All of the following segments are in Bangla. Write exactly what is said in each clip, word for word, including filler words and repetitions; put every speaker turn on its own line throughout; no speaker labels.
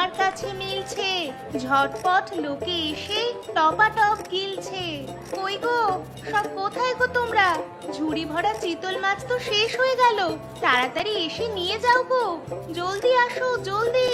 আমার কাছে মিলছে, ঝটপট লোকে এসে টপাটপ গিলছে। কই গো, সব কোথায় গো তোমরা? ঝুড়ি ভরা চিতল মাছ তো শেষ হয়ে গেল, তাড়াতাড়ি এসে নিয়ে যাও গো, জলদি আসো জলদি।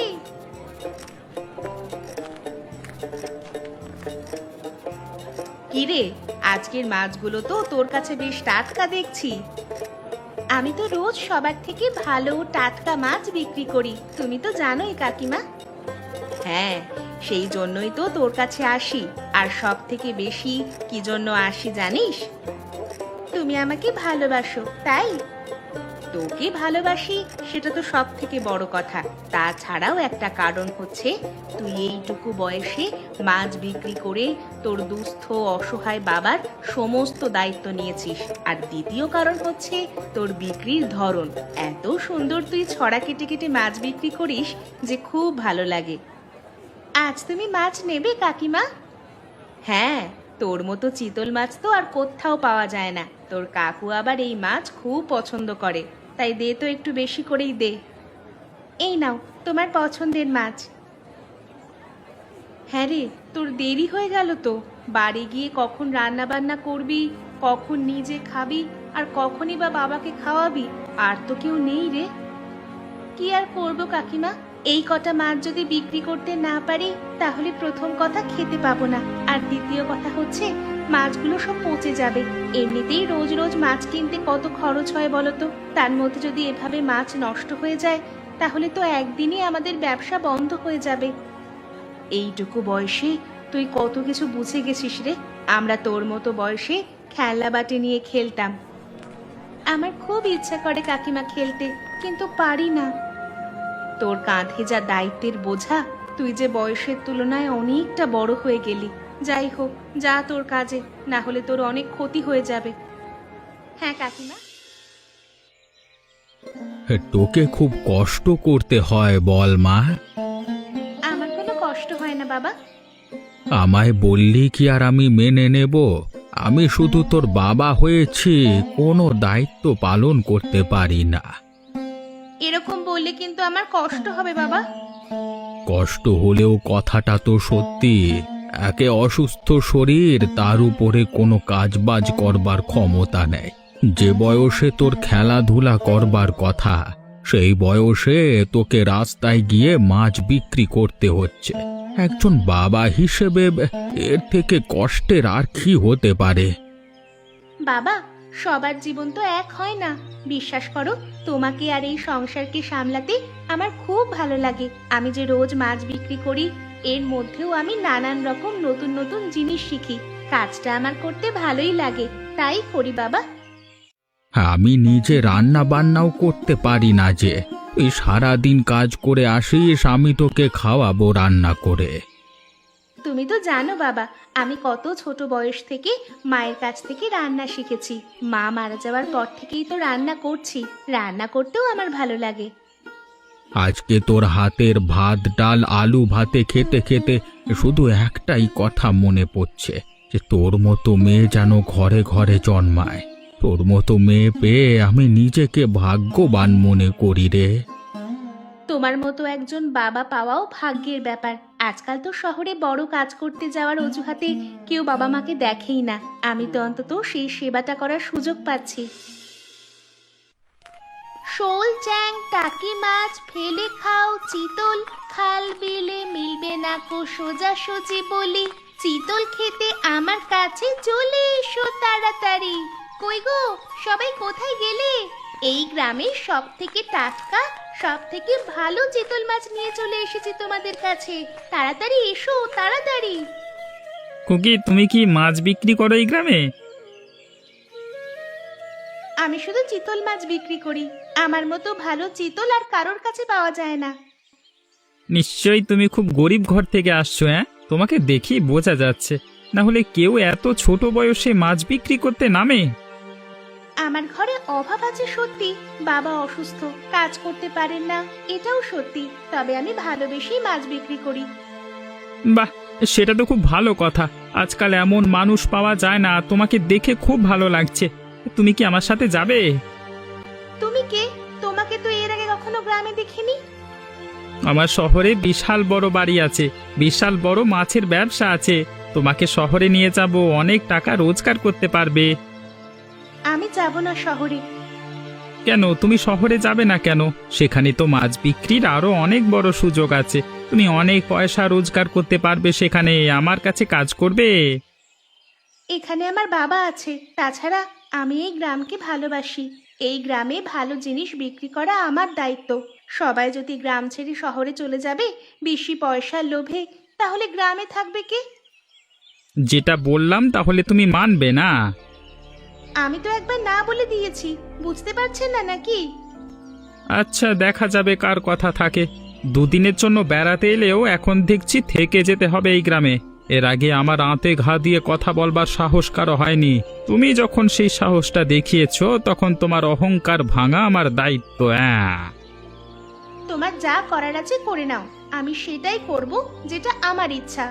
কিরে, আজকের মাছগুলো তো তোর কাছে বেশ টাটকা দেখছি। আমি তো রোজ সবার থেকে ভালো টাটকা মাছ বিক্রি করি, তুমি তো জানোই কাকিমা। হ্যাঁ, সেই জন্যই তো তোর কাছে আসি। আর সব থেকে বেশি কি জন্য আসি জানিস? তুমি আমাকে ভালোবাসো তাই। তোকে ভালোবাসি সেটা তো সব থেকে বড় কথা, তাছাড়াও একটা কারণ হচ্ছে তুই এইটুকু বয়সে মাছ বিক্রি করে তোর দুস্থ অসহায় বাবার সমস্ত দায়িত্ব নিয়েছিস। আর দ্বিতীয় কারণ হচ্ছে তোর বিক্রির ধরন এত সুন্দর, তুই ছড়া কেটে কেটে মাছ বিক্রি করিস যে খুব ভালো লাগে। আজ তুমি মাছ নেবে কাকিমা? হ্যাঁ, তোর মতো চিতল মাছ তো আর কোথাও পাওয়া যায় না। তোর কাকু আবার এই মাছ খুব পছন্দ করে, তাই দে তো একটু বেশি করেই দে। এই নাও তোমার পছন্দের মাছ। হ্যাঁ রে, তোর দেরি হয়ে গেল তো। বাড়ি গিয়ে কখন রান্না বান্না করবি, কখন নিজে খাবি, আর কখনই বা বাবাকে খাওয়াবি? আর তো কেউ নেই রে। কি আর করবো কাকিমা, এই কটা মাছ যদি বিক্রি করতে না পারি তাহলে প্রথম কথা খেতে পাবো না, আর দ্বিতীয় কথা হচ্ছে মাছগুলো সব পচে যাবে। এমনিতেই রোজ রোজ মাছ কিনতে কত খরচ হয় বলতো, তার মধ্যে যদি এভাবে মাছ নষ্ট হয়ে যায় তাহলে তো একদিনই আমাদের ব্যবসা বন্ধ হয়ে যাবে। এইটুকু বয়সে তুই কত কিছু বুঝে গেছিস রে। আমরা তোর মতো বয়সে খেলনা বাটি নিয়ে খেলতাম। আমার খুব ইচ্ছা করে কাকিমা খেলতে, কিন্তু পারি না। তোর কাঁধে যা দায়িত্বের বোঝা, তুই যে বয়সের তুলনায় অনেকটা বড় হয়ে গেলি। যাই হোক, যা তোর কাজে, না হলে তোর অনেক ক্ষতি হয়ে যাবে। হ্যাঁ কাকিমা।
তোকে খুব কষ্ট করতে হয় বল মা?
আমার কোনো কষ্ট হয় না বাবা।
আমায় বললি কি আর আমি মেনে নেব? আমি শুধু তোর বাবা হয়েছি, কোনো দায়িত্ব পালন করতে পারি না।
এরকম বললে কিন্তু আমার কষ্ট হবে বাবা।
কষ্ট হলেও কথাটা তো সত্যি। একে অসুস্থ শরীর, তার উপরে কোনো কাজবাজ করবার ক্ষমতা নেই। যে বয়সে তোর খেলাধুলা করবার কথা, সেই বয়সে তোকে রাস্তায় গিয়ে মাছ বিক্রি করতে হচ্ছে। একজন বাবা হিসেবে এর থেকে কষ্টের আর কি হতে পারে?
বাবা, সবার জীবন তো এক হয় না। বিশ্বাস করো, তোমাকে আর এই সংসারকে সামলাতে আমার খুব ভালো লাগে। আমি যে রোজ মাছ বিক্রি করি, এর মধ্যেও আমি নানান রকম নতুন নতুন জিনিস শিখি। কাজটা আমার করতে ভালোই লাগে, তাই করি বাবা।
আমি নিজে রান্না বান্নাও করতে পারি না যে। তুই সারাদিন কাজ করে আসিস, আমি তোকে খাওয়াবো রান্না করে।
তুমি তো জানো বাবা, আমি কত ছোট বয়স থেকে মায়ের কাছ থেকে রান্না শিখেছি। মা মারা যাওয়ার পর থেকেই তো রান্না করছি। রান্না করতেও আমার ভালো লাগে।
আজকে তোর হাতের ভাত ডাল আলু ভাতে খেতে খেতে শুধু একটাই কথা মনে পড়ছে, যে তোর মতো মেয়ে যেন ঘরে ঘরে জন্মায়। তোর মতো মেয়ে পেয়ে আমি নিজেকে ভাগ্যবান মনে করি রে।
তোমার মতো একজন বাবা পাওয়াও ভাগ্যের ব্যাপার। আজকাল তো শহরে বড় কাজ করতে যাওয়ার অজুহাতে কেউ বাবা মাকে দেখেই না। আমি তো অন্তত সেই সেবাটা করার সুযোগ পাচ্ছি। শোল, চ্যাং, টাকি মাছ ফেলে খাও চিতল, খাল বিলে মিলবে না কো সোজাসুজি বলি। চিতল খেতে আমার কাছে চলে এসো তাড়াতাড়ি। কই গো, সবাই কোথায় গেলে? এই গ্রামের সব থেকে টাটকা, সব থেকে ভালো চিতল মাছ নিয়ে চলে এসেছি তোমাদের কাছে। তাড়াতাড়ি এসো তাড়াতাড়ি।
খুকি, তুমি কি মাছ বিক্রি করো এই গ্রামে?
আমি শুধু চিতল মাছ বিক্রি করি। আমার মতো ভালো চিতল আর কারোর কাছে পাওয়া যায় না।
নিশ্চয়ই তুমি খুব গরিব ঘর থেকে আসছো। হ্যাঁ, তোমাকে দেখেই বোঝা যাচ্ছে। না হলে কেউ এত ছোট বয়সে মাছ বিক্রি করতে নামে?
আমার ঘরে অভাব আছে সত্যি, বাবা অসুস্থ, কাজ করতে পারেন না, এটাও সত্যি। তবে আমি ভালোবেসেই মাছ বিক্রি করি।
বাহ, সেটা তো খুব ভালো কথা। আজকাল এমন মানুষ পাওয়া যায় না। তোমাকে দেখে খুব ভালো লাগছে। তুমি কি আমার সাথে যাবে?
তুমি কে? তোমাকে তো এর আগে কখনো গ্রামে দেখিনি।
আমার শহরে বিশাল বড় বাড়ি আছে, বিশাল বড় মাছের ব্যবসা আছে। তোমাকে শহরে নিয়ে যাব, অনেক টাকা রোজগার করতে পারবে।
আমি যাব না শহরে।
কেন তুমি শহরে যাবে না কেন? সেখানে তো মাছ বিক্রির আরো অনেক বড় সুযোগ আছে। তুমি অনেক পয়সা রোজগার করতে পারবে সেখানে। আমার কাছে কাজ করবে।
এখানে আমার বাবা আছে, তাছাড়া আমি এই গ্রামকে ভালোবাসি। এই গ্রামে ভালো জিনিস বিক্রি করা আমার দায়িত্ব। সবাই যদি গ্রাম ছেড়ে শহরে চলে যাবে বেশি পয়সার লোভে, তাহলে গ্রামে থাকবে কে?
যেটা বললাম তাহলে তুমি মানবে না?
আমি তো একবার না বলে দিয়েছি, বুঝতে পারছেন না নাকি?
আচ্ছা, দেখা যাবে কার কথা থাকে। দুদিনের জন্য বেড়াতে এলেও এখন দেখছি থেকে যেতে হবে এই গ্রামে। এর আগে আমার আঁতে ঘা দিয়ে কথা বলবার সাহস কারো হয়নি। তুমি যখন সেই সাহসটা দেখিয়েছো তখন তোমার অহংকার ভাঙা আমার দায়িত্ব। হ্যাঁ,
তোমার যা করার আছে করে নাও, আমি সেটাই করব যেটা আমার ইচ্ছা।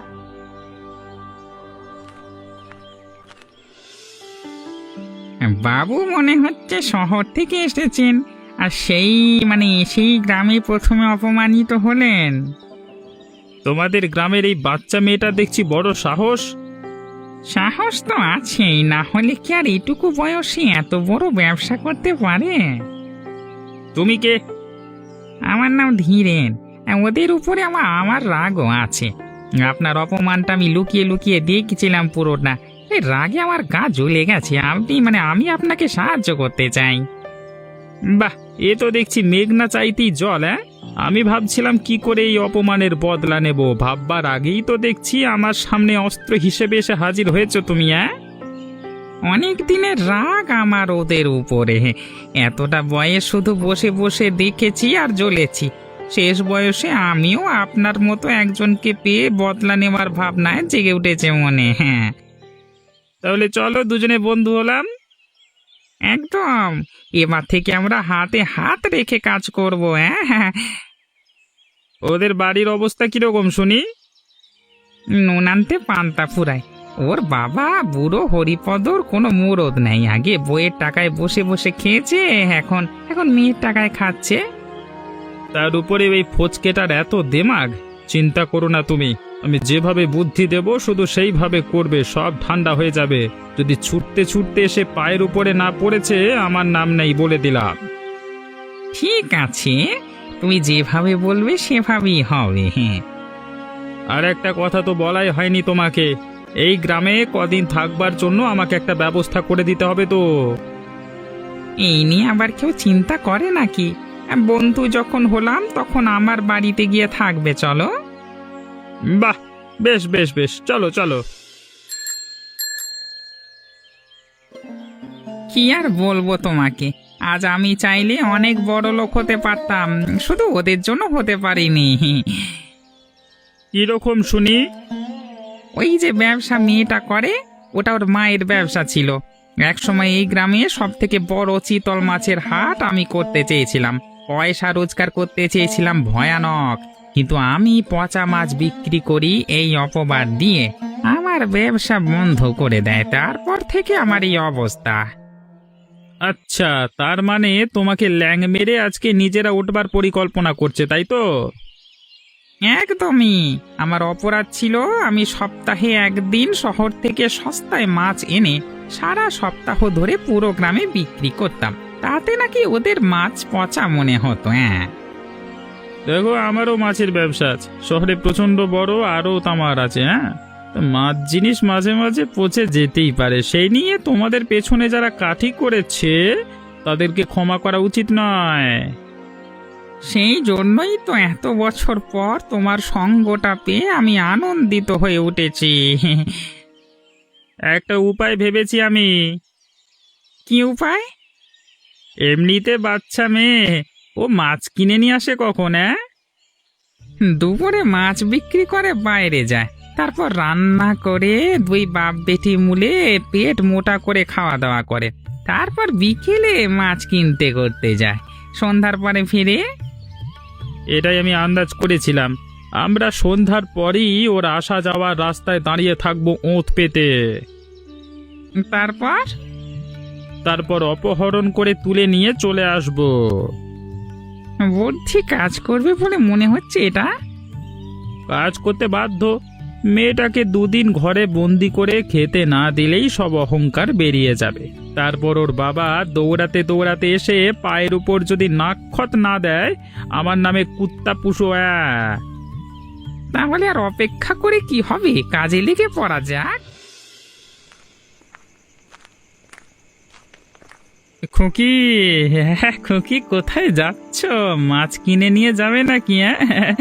বাবু মনে হচ্ছে শহর থেকে এসেছেন, আর সেই মানে সেই গ্রামে প্রথমে অপমানিত হলেন।
তোমাদের গ্রামের এই বাচ্চা মেয়েটা দেখছি বড় সাহস।
সাহস তো আছেই, না হলে কি আর এটুকু বয়সে এত বড় ব্যবসা করতে পারে?
তুমি কে?
আমার নাম ধীরেন। ওদের উপরে আমার আমার রাগও আছে। আপনার অপমানটা আমি লুকিয়ে লুকিয়ে দেখছিলাম পুরোটা। এই রাগে আমার গা জ্বলে গেছে। আপনি মানে আমি আপনাকে সাহায্য করতে চাই।
বাহ, এ তো দেখছি মেঘনা চাইতেই জল। হ্যাঁ, আমি ভাবছিলাম কি করে এই অপমানের বদলা নেব। ভাববার আগেই তো দেখছি আমার সামনে অস্ত্র হিসেবে এসে হাজির হয়েছো তুমি। হ্যাঁ,
অনেক দিনের রাগ আমার ওদের উপরে। এতটা বয়স শুধু বসে বসে দেখেছি আর জ্বলেছি। শেষ বয়সে আমিও আপনার মতো একজনকে পেয়ে বদলা নেওয়ার ভাবনায় জেগে উঠেছে মনে। হ্যাঁ,
তাহলে চলো দুজনে বন্ধু হলাম।
একদম। এবার থেকে আমরা হাতে হাত রেখে কাজ করব। হ্যাঁ,
ওদের বাড়ির অবস্থা কিরকম শুনি?
নুন আনতে পান্তা ফুরায়। ওর বাবা বুড়ো হরিপদর কোনো মুরদ নেই। আগে বইয়ের টাকায় বসে বসে খেয়েছে, এখন এখন মেয়ের টাকায় খাচ্ছে।
তার উপরে এই ফচকেটার এত দেমাগ। চিন্তা করো না তুমি, আমি যেভাবে বুদ্ধি দেব শুধু সেইভাবে করবে, সব ঠান্ডা হয়ে যাবে। যদি ছুটতে ছুটতে এসে পায়ের উপরে না পড়েছে আমার নাম নেই, বলে দিলাম।
ঠিক আছে, তুমি যেভাবে বলবে সেভাবেই হবে। হ্যাঁ,
আর একটা কথা তো বলাই হয়নি তোমাকে। এই গ্রামে কদিন থাকবার জন্য আমাকে একটা ব্যবস্থা করে দিতে হবে তো।
এই নিয়ে আবার কেউ চিন্তা করে নাকি? বন্ধু যখন হলাম তখন আমার বাড়িতে গিয়ে থাকবে। চলো।
বাহ, বেশ বেশ বেশ, চলো চলো।
কি আর বলবো তোমাকে, আজ আমি চাইলে অনেক বড় লোক হতে পারতাম, শুধু ওদের জন্য হতে পারিনি।
কিরকম শুনি?
ওই যে ব্যবসা মেয়েটা করে, ওটা ওর মায়ের ব্যবসা ছিল। একসময় এই গ্রামে সব থেকে বড় চিতল মাছের হাট আমি করতে চেয়েছিলাম। পয়সা রোজগার করতে চেয়েছিলাম ভয়ানক, কিন্তু আমি পচা মাছ বিক্রি করি এই অপবাদ দিয়ে আমার ব্যবসা বন্ধ করে দেয়। তারপর থেকে আমার এই অবস্থা।
আচ্ছা, তার মানে তোমাকে ল্যাং মেরে আজকে নিজেরা উঠবার পরিকল্পনা করছে, তাই তো?
একদমই। আমার অপরাধ ছিল আমি সপ্তাহে একদিন শহর থেকে সস্তায় মাছ এনে সারা সপ্তাহ ধরে পুরো গ্রামে বিক্রি করতাম। তাতে নাকি ওদের মাছ পচা মনে হতো। হ্যাঁ,
দেখো, আমারও মাছের ব্যবসা আছে, শহরে প্রচন্ড বড়, আরও তামার আছে। হ্যাঁ, তো মাছ জিনিস মাঝে মাঝে পচে যেতেই পারে। সেই নিয়ে তোমাদের পেছনে যারা কাঠি করেছে তাদেরকে ক্ষমা করা উচিত নয়।
সেই জন্যই তো এত বছর পর তোমার সঙ্গটা পেয়ে আমি আনন্দিত হয়ে উঠেছি।
একটা উপায় ভেবেছি আমি।
কি উপায়?
এমনিতে বাচ্চা মেয়ে, ও মাছ কিনে নিয়ে আসে কখন? হ্যাঁ,
দুপুরে মাছ বিক্রি করে বাইরে যায়, তারপর রান্না করে দুই বাপ বেটি মুলে পেট মোটা করে খাওয়া দাওয়া করে, তারপর বিকেলে মাছ কিনতে করতে যায়, সন্ধ্যার পরে ফিরে।
এটাই আমি আন্দাজ করেছিলাম। আমরা সন্ধ্যার পরই ওর আসা যাওয়ার রাস্তায় দাঁড়িয়ে থাকবো ওঁত পেতে।
তারপর
তারপর অপহরণ করে তুলে নিয়ে চলে আসবো।
বুদ্ধি কাজ করবে বলে মনে হচ্ছে এটা।
কাজ করতে বাধ্য। মেয়েটাকে দুদিন ঘরে বন্দি করে খেতে না দিলেই সব অহংকার বেরিয়ে যাবে। তারপর ওর বাবা দৌড়াতে দৌড়াতে এসে পায়ের উপর যদি নাক্ষত না দেয়, আমার নামে কুত্তা পুষো। অ্যাঁ।
তাহলে আর অপেক্ষা করে কি হবে, কাজে লেগে পড়া যাক।
খুকি, হ্যাঁ খুকি, কোথায় যাচ্ছ? মাছ কিনে নিয়ে যাবে নাকি? হ্যাঁ,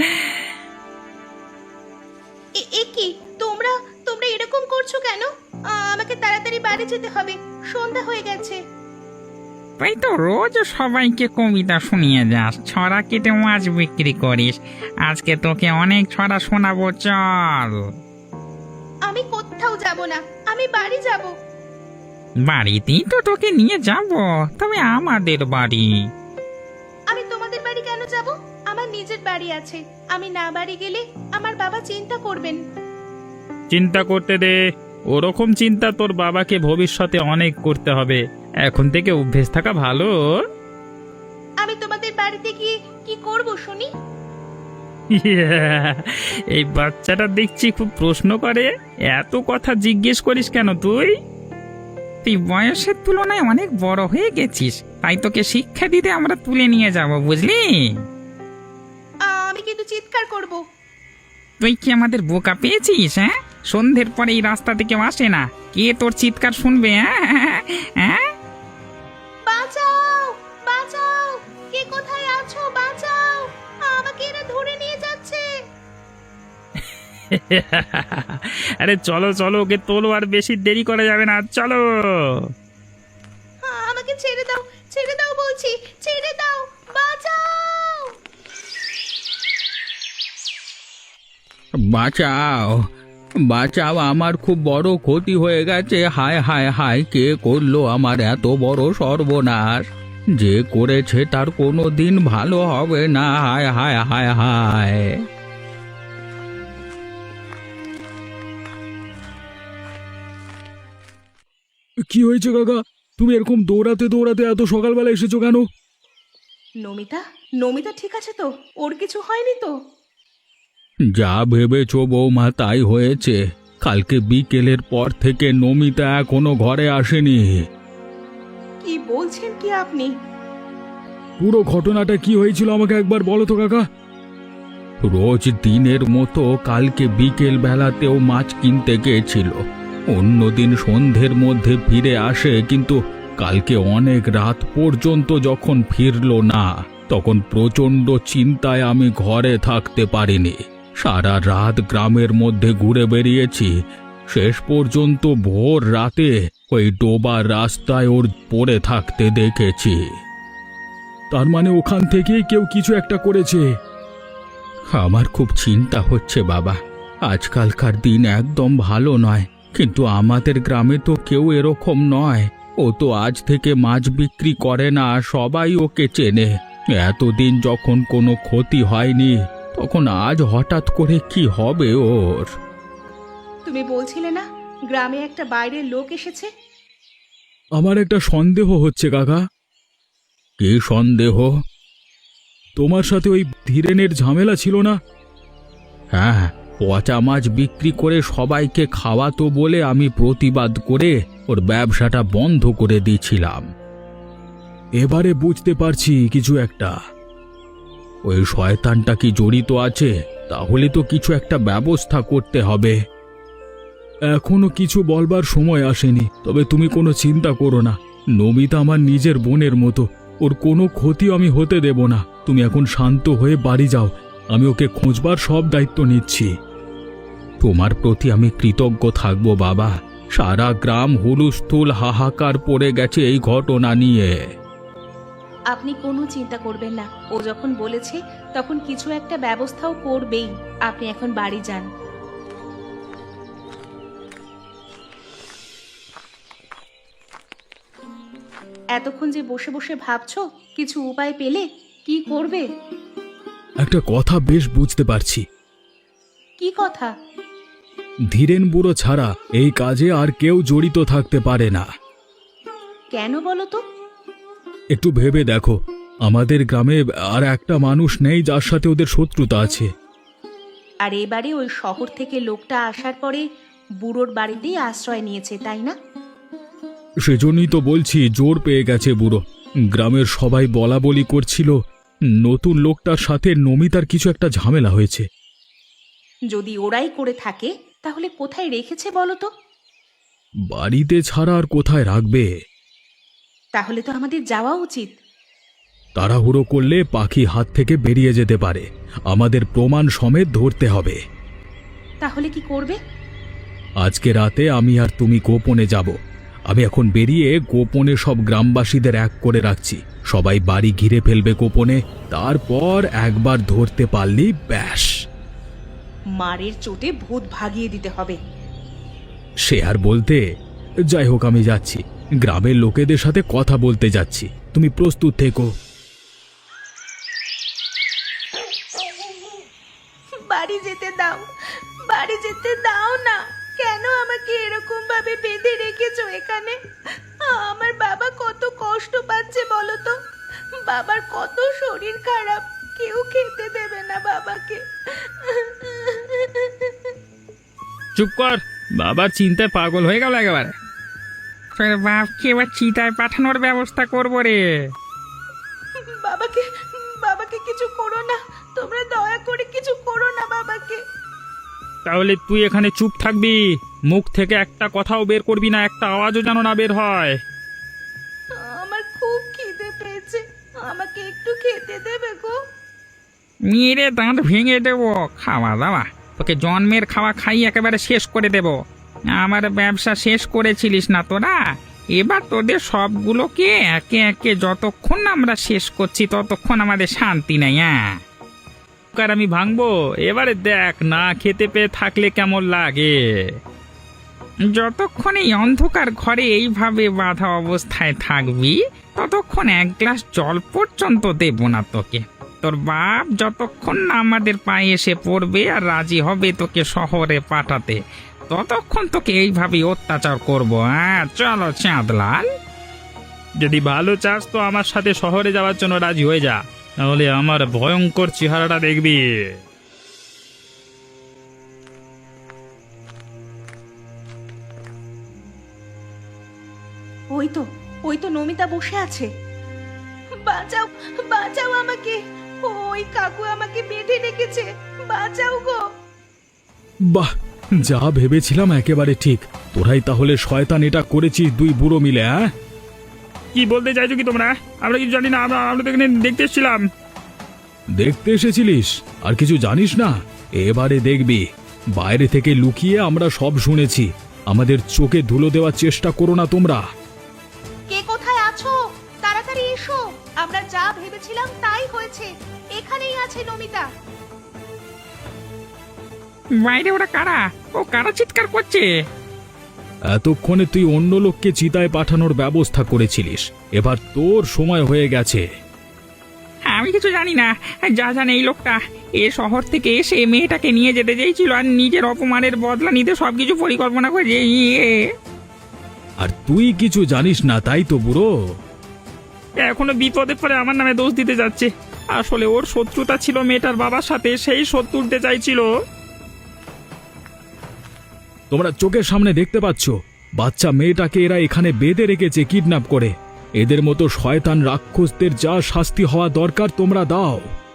এ- এ কি তোমরা তোমরা এরকম করছো কেন? আ, আমাকে তাড়াতাড়ি বাড়ি যেতে হবে, সন্ধ্যা হয়ে গেছে।
তাই তো রোজ সবাইকে কবিতা শুনিয়ে যাস, ছড়া কেটে মাছ বিক্রি করিস। আজকে তোকে অনেক ছড়া শোনাবো, চল।
আমি কোথাও যাব না, আমি বাড়ি যাব।
বাড়িতেই তো তোকে নিয়ে যাব, তবে আমাদের বাড়ি।
আমি তোমাদের বাড়ি কেন যাব? আমার নিজের বাড়ি আছে। আমি না বাড়ি গেলে আমার বাবা চিন্তা করবেন।
চিন্তা করতে দে। ওরকম চিন্তা তোর বাবাকে ভবিষ্যতে অনেক করতে হবে। এখন থেকে অভ্যেস থাকা ভালো।
আমি তোমাদের বাড়িতে গিয়ে কি করব শুনি?
এই বাচ্চাটা দেখছি খুব প্রশ্ন করে। এত কথা জিজ্ঞেস করিস কেন তুই?
তুই বয়সের তুলনায় অনেক বড় হয়ে গেছিস, তাই তোকে শিক্ষা দিতে আমরা তুলে নিয়ে যাব, বুঝলি?
আ, আমি কিন্তু চিৎকার করব।
তুই কি আমাদের বোকা পেয়েছিস? হ্যাঁ, সন্ধ্যের পরে এই রাস্তা থেকে আসে না, কে তোর চিৎকার শুনবে? হ্যাঁ হ্যাঁ,
বাঁচাও, বাঁচাও, কে কোথায় আছো? বাঁচাও, আমাকে এরা ধরে নিয়ে যাচ্ছে।
আরে চলো চলো, ওকে তোলো, আর বেশি দেরি করা যাবে না, চলো।
আ, আমাকে ছেড়ে দাও, ছেড়ে দাও বলছি, ছেড়ে দাও, বাঁচাও।
বাঁচাও, বাঁচাও, আমার খুব বড় ক্ষতি হয়ে গেছে। হায় হায় হায়, কে করলো আমার এত বড় সর্বনাশ? যে করেছে তার কোনো দিন ভালো হবে না। হায় হায় হায় হায়।
কি হয়েছে কাকা? তুমি এরকম দৌড়াতে দৌড়াতে এত সকালবেলা এসেছো কেন?
নমিতা, নমিতা ঠিক আছে তো? ওর কিছু হয়নি তো?
যা ভেবেছো বৌমা তাই হয়েছে। কালকে বিকেলের পর থেকে নমিতা এখনো ঘরে আসেনি।
কি বলছেন কি আপনি?
পুরো ঘটনাটা কি হয়েছিল আমাকে একবার বলো তো কাকা।
রোজ দিনের মতো কালকে বিকেল বেলাতেও মাছ কিনতে গিয়েছিল। অন্যদিন সন্ধ্যের মধ্যে ফিরে আসে, কিন্তু কালকে অনেক রাত পর্যন্ত যখন ফিরলো না, তখন প্রচণ্ড চিন্তায় আমি ঘরে থাকতে পারিনি। সারা রাত গ্রামের মধ্যে ঘুরে বেরিয়েছি। শেষ পর্যন্ত ভোর রাতে ওই ডোবার রাস্তায় ওর পড়ে থাকতে দেখেছি।
তার মানে ওখান থেকেই কেউ কিছু একটা করেছে।
আমার খুব চিন্তা হচ্ছে বাবা। আজকালকার দিন একদম ভালো নয়, কিন্তু আমাদের গ্রামে তো কেউ এরকম নয়। ও তো আজ থেকে মাছ বিক্রি করে না, সবাই ওকে চেনে। এতদিন যখন কোনো ক্ষতি হয়নি, তখন আজ হঠাৎ করে কি হবে ওর?
তুমি বলছিলে না গ্রামে একটা বাইরের লোক এসেছে?
আমার একটা সন্দেহ হচ্ছে কাকা।
কি সন্দেহ?
তোমার সাথে ওই ধীরেনের ঝামেলা ছিল না?
হ্যাঁ, পচা মাছ বিক্রি করে সবাইকে খাওয়াতো বলে আমি প্রতিবাদ করে ওর ব্যবসাটা বন্ধ করে দিয়েছিলাম।
এবারে বুঝতে পারছি কিছু একটা।
ওই শয়তানটা কি জড়িত আছে? তাহলে তো কিছু একটা ব্যবস্থা করতে হবে।
এখনো কিছু বলবার সময় আসেনি, তবে তুমি কোনো চিন্তা করো না। নমিতা আমার নিজের বোনের মতো, ওর কোনো ক্ষতি আমি হতে দেব না। তুমি এখন শান্ত হয়ে বাড়ি যাও, আমি ওকে খোঁজবার সব দায়িত্ব নিচ্ছি।
তোমার প্রতি আমি কৃতজ্ঞ থাকব বাবা। সারা গ্রাম হুলস্থুল হাহাকার পড়ে গেছে এই ঘটনা নিয়ে।
আপনি কোনো চিন্তা করবেন না, ও যখন বলেছে তখন কিছু একটা ব্যবস্থাও করবেই। আপনি এখন বাড়ি যান। এতক্ষণ যে বসে বসে ভাবছো, কিছু উপায় পেলে? কি করবে?
একটা কথা বেশ বুঝতে পারছি।
কি কথা?
ধীরেন বুড়ো ছাড়া এই কাজে আর কেউ জড়িত থাকতে পারে না।
কেন বলো তো?
একটু ভেবে দেখো, আমাদের গ্রামে আর একটা মানুষ নেই যার সাথে ওদের শত্রুতা আছে।
আর এবারে ওই শহর থেকে লোকটা আসার পরে বুড়োর বাড়িতেই আশ্রয় নিয়েছে, তাই না?
সেজন্যই তো বলছি জোর পেয়ে গেছে বুড়ো। গ্রামের সবাই বলা বলি করছিল নতুন লোকটার সাথে নমিতার কিছু একটা ঝামেলা হয়েছে।
যদি ওরাই করে থাকে তাহলে কোথায় রেখেছে বলো তো?
বাড়িতে ছাড়া আর কোথায় রাখবে?
তাহলে তো আমাদের যাওয়া উচিত।
তাড়াহুড়ো করলে পাখি হাত থেকে বেরিয়ে যেতে পারে। আমাদের প্রমাণ সমেত ধরতে হবে।
তাহলে কি করবে?
আজকে রাতে আমি আর তুমি গোপনে যাব। আমি এখন বেরিয়ে গোপনে সব গ্রামবাসীদের এক করে রাখছি। সবাই বাড়ি ঘিরে ফেলবে গোপনে, তারপর একবার ধরতে পারলি ব্যাস।
মারের চোটে ভূত ভাগিয়ে দিতে হবে।
সে আর বলতে। যাই হোক, আমি যাচ্ছি, গ্রামের লোকেদের সাথে কথা বলতে যাচ্ছি। তুমি প্রস্তুত থেকো।
বাড়ি যেতে দাও, বাড়ি যেতে দাও না। কেন আমাকে এরকম ভাবে বেঁধে রেখেছো এখানে? আমার বাবা কত কষ্ট পাচ্ছে বলো তো। বাবার কত শরীর খারাপ, কেউ খেতে দেবে না বাবাকে।
চুপ কর, বাবার চিন্তায় পাগল হয়ে গেল একেবারে।
তোর বাপকে এবার চিতায় পাঠানোর ব্যবস্থা করবো রে।
বাবাকে বাবাকে কিছু করো না, তোমরা দয়া করে কিছু করো না বাবাকে।
তাহলে তুই এখানে চুপ থাকবি, মুখ থেকে একটা কথাও বের করবি না, একটা আওয়াজও যেন না বের হয়।
আমার খুব খিদে পেয়েছে, আমাকে একটু খেতে দেবে গো?
মেরে দাঁত ভেঙে দেবো। খাওয়া দাওয়া তোকে জন্মের খাওয়া খাই একেবারে শেষ করে দেব। আমার ব্যবসা শেষ করেছিলিস না তোরা, এবার তোদের সবগুলোকে একে একে যতক্ষণ না আমরা শেষ করছি ততক্ষণ আমাদের শান্তি নেই। হ্যাঁ,
কার আমি ভাঙবো এবারে, দেখ না খেতে পেয়ে থাকলে কেমন লাগে।
যতক্ষণ এই অন্ধকার ঘরে এইভাবে বাঁধা অবস্থায় থাকবি ততক্ষণ এক গ্লাস জল পর্যন্ত দেব না তোকে। তোর বাপ যতক্ষণ না আমাদের পায়ে এসে পড়বে আর রাজি হবে তোকে শহরে পাঠাতে, ততক্ষণ তোকে এইভাবে অত্যাচার করবো। হ্যাঁ, চলো চাঁদলাল।
যদি ভালো চাস তো আমার সাথে শহরে যাওয়ার জন্য রাজি হয়ে যা, তাহলে আমার ভয়ঙ্কর চেহারাটা দেখবি।
ওই তো ওই তো নমিতা বসে আছে। বাঁচাও, বাঁচাও আমাকে। ওই কাকু আমাকে বেঁধে রেখেছে, বাঁচাও গো।
বাহ, যা ভেবেছিলাম একেবারে ঠিক। তোরাই তাহলে শয়তান এটা করেছিস দুই বুড়ো মিলে? হ্যাঁ,
কি বলতে চাইছো কি তোমরা? আমরা কিছু জানি না, আমরা আমরা তো এখানে দেখতে এসেছিলাম।
দেখতে এসেছিলিস আর কিছু জানিস না? এবারে দেখবি। বাইরে থেকে লুকিয়ে আমরা সব শুনেছি। আমাদের চোখে ধুলো দেওয়ার চেষ্টা করো না তোমরা।
কে কোথায় আছো? তাড়াতাড়ি এসো। আমরা যা ভেবেছিলাম তাই হয়েছে। এখানেই আছে নমিতা।
বাইরে ওরা কারা? ও কারা চিৎকার করছে?
এতক্ষণে তুই অন্য লোককে চিতায় পাঠানোর ব্যবস্থা করেছিলিস, এবার তোর সময় হয়ে গেছে।
আমি কিছু জানি না। যা জানে এই লোকটা এ শহর থেকে এসে মেয়েটাকে নিয়ে যেতে চেয়েছিল আর নিজের অপমানের বদলা নিতে সবকিছু পরিকল্পনা করে। ইয়ে
আর তুই কিছু জানিস না, তাই তো বুড়ো?
এখনো বিপদে পড়ে আমার নামে দোষ দিতে যাচ্ছে। আসলে ওর শত্রুতা ছিল মেয়েটার বাবার সাথে, সেই শত্রু উঠতে চাইছিল।
তোমরা চোখের সামনে দেখতে পাচ্ছ বাচ্চা মেয়েটাকে এরা এখানে বেঁধে রেখেছে কিডন্যাপ করে। এদের মতো শয়তান রাক্ষসদের যা শাস্তি হওয়া দরকার তোমরা দাও।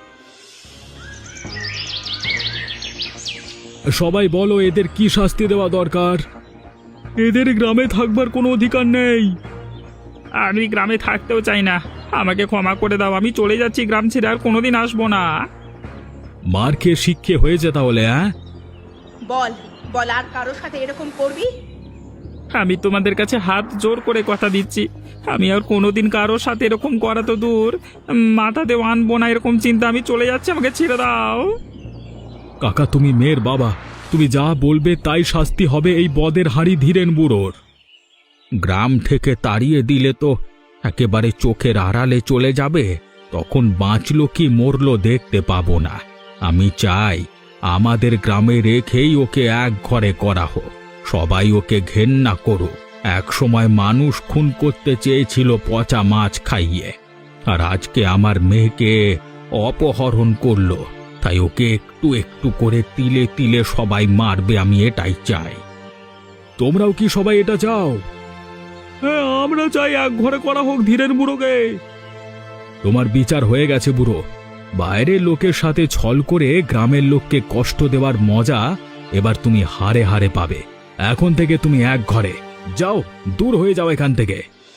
সবাই বলো এদের কি শাস্তি দেওয়া দরকার? এদের গ্রামে থাকবার কোনো অধিকার নেই।
আমি গ্রামে থাকতেও চাই না, আমাকে ক্ষমা করে দাও। আমি চলে যাচ্ছি গ্রাম ছেড়ে, আর কোনোদিন আসবো না।
মার খেয়ে শিক্ষে হয়েছে তাহলে? হ্যাঁ,
বল বল, আর কারোর সাথে এরকম করবি?
আমি তোমাদের কাছে হাত জোর করে কথা দিচ্ছি, আমি আর কোনোদিন কারোর সাথে এরকম করা তো দূর, মাথাতেও আনবো না এরকম চিন্তা। আমি চলে যাচ্ছি, আমাকে ছেড়ে দাও।
কাকা তুমি মেয়ের বাবা, তুমি যা বলবে তাই শাস্তি হবে এই বদের হাঁড়ি ধীরেন বুড়োর। গ্রাম থেকে তাড়িয়ে দিলে তো একেবারে চোখের আড়ালে চলে যাবে, তখন বাঁচলো কি মরলো দেখতে পাবো না। আমি চাই আমাদের গ্রামে রেখেই ওকে এক ঘরে করা হোক, সবাই ওকে ঘেন্না করুক। এক সময় মানুষ খুন করতে চেয়েছিল পচা মাছ খাইয়ে,
আর আজকে আমার মেয়েকে অপহরণ করলো, তাই ওকে একটু একটু করে তিলে তিলে সবাই মারবে, আমি এটাই চাই।
তোমরাও কি সবাই এটা চাও? হ্যাঁ, আমরা চাই এক ঘরে করা হোক ধীরের বুড়োকে। তোমার বিচার হয়ে গেছে বুড়ো। বাইরের লোকের সাথে ছল করে গ্রামের লোককে কষ্ট দেওয়ার মজা এবার তুমি হারে হারে পাবে। এখন থেকে তুমি এক ঘরে যাও, দূর হয়ে যাও এখান থেকে।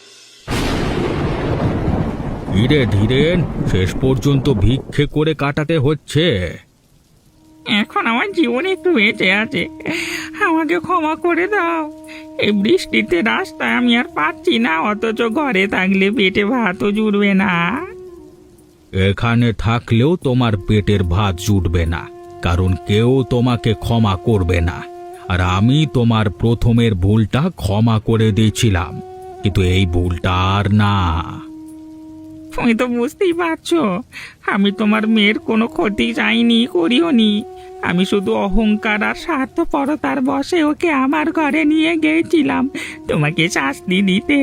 ধীরে ধীরে শেষ পর্যন্ত ভিক্ষে করে কাটাতে হচ্ছে।
এখন আমার জীবনে একটু বেঁচে আছে, আমাকে ক্ষমা করে দাও। এই বৃষ্টিতে রাস্তায় আমি আর পাচ্ছি না, অথচ ঘরে থাকলে পেটে ভাতও জুড়বে না।
এখানে থাকলেও তোমার পেটের ভাত জুটবে না, কারণ কেউ তোমাকে ক্ষমা করবে না। আর আমি তোমার প্রথমের ভুলটা ক্ষমা করে দিয়েছিলাম, কিন্তু এই ভুলটা আর না।
তুমি তো বুঝতেই পারছো, আমি তোমার মেয়ের কোনো ক্ষতি চাইনি, করিওনি। আমি শুধু অহংকার আর স্বার্থপরতার বশে ওকে আমার ঘরে নিয়ে গিয়েছিলাম তোমাকে শাস্তি দিতে।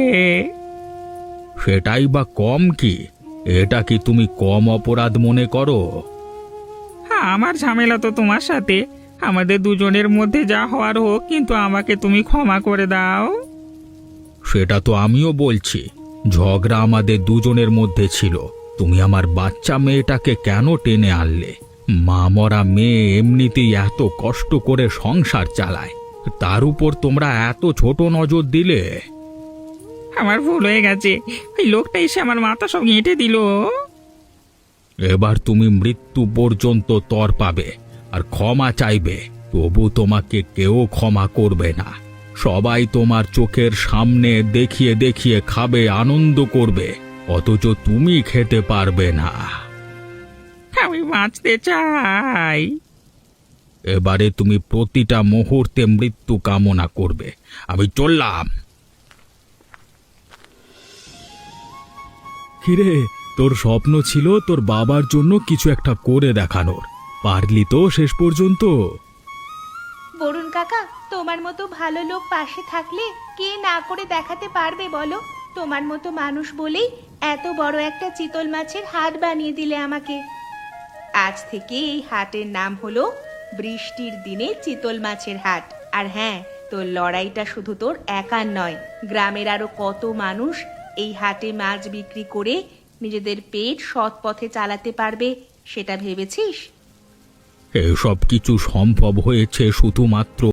সেটাই বা কম কি? এটা কি তুমি কম অপরাধ মনে করো?
হ্যাঁ, আমার ঝামেলা তো তোমার সাথে। আমাদের দুজনের মধ্যে যা হওয়ার হোক, কিন্তু আমাকে তুমি ক্ষমা করে দাও।
সেটা তো আমিও বলছি, ঝগড়া আমাদের দুজনের মধ্যে ছিল। তুমি আমার বাচ্চা মেয়েটাকে কেন টেনে আনলে? মা মরা মেয়ে এমনিতেই এত কষ্ট করে সংসার চালায়, তার উপর তোমরা এত ছোট নজর দিলে।
আমার ভুল হয়ে গেছে, ওই লোকটা এসে আমার মাথা সব এঁটে দিল।
এবার তুমি মৃত্যু পর্যন্ত তর পাবে আর ক্ষমা চাইবে, তবু তোমাকে কেউ ক্ষমা করবে না। সবাই তোমার চোখের সামনে দেখিয়ে দেখিয়ে খাবে, আনন্দ করবে, অথচ তুমি খেতে পারবে না।
আমি বাঁচতে চাই।
এবারে তুমি প্রতিটা মুহূর্তে মৃত্যু কামনা করবে। আমি চললাম।
কিরে, তোর স্বপ্ন ছিল তোর বাবার জন্য কিছু একটা করে দেখানোর, পারলি তো শেষ পর্যন্ত?
বরুণ কাকা, তোমার মতো ভালো লোক পাশে থাকলে কে না করে দেখাতে পারবে বলো? তোমার মতো মানুষ বলেই এত বড় একটা চিতল মাছের হাট বানিয়ে দিলে আমাকে। আজ থেকে এই হাটের নাম হলো বৃষ্টির দিনে চিতল মাছের হাট। আর হ্যাঁ, তোর লড়াইটা শুধু তোর একার নয়, গ্রামের আরো কত মানুষ এই হাটে মাছ বিক্রি করে নিজেদের পেট সৎ পথে চালাতে পারবে সেটা ভেবেছিস?
এসব কিছু সম্ভব হয়েছে শুধুমাত্র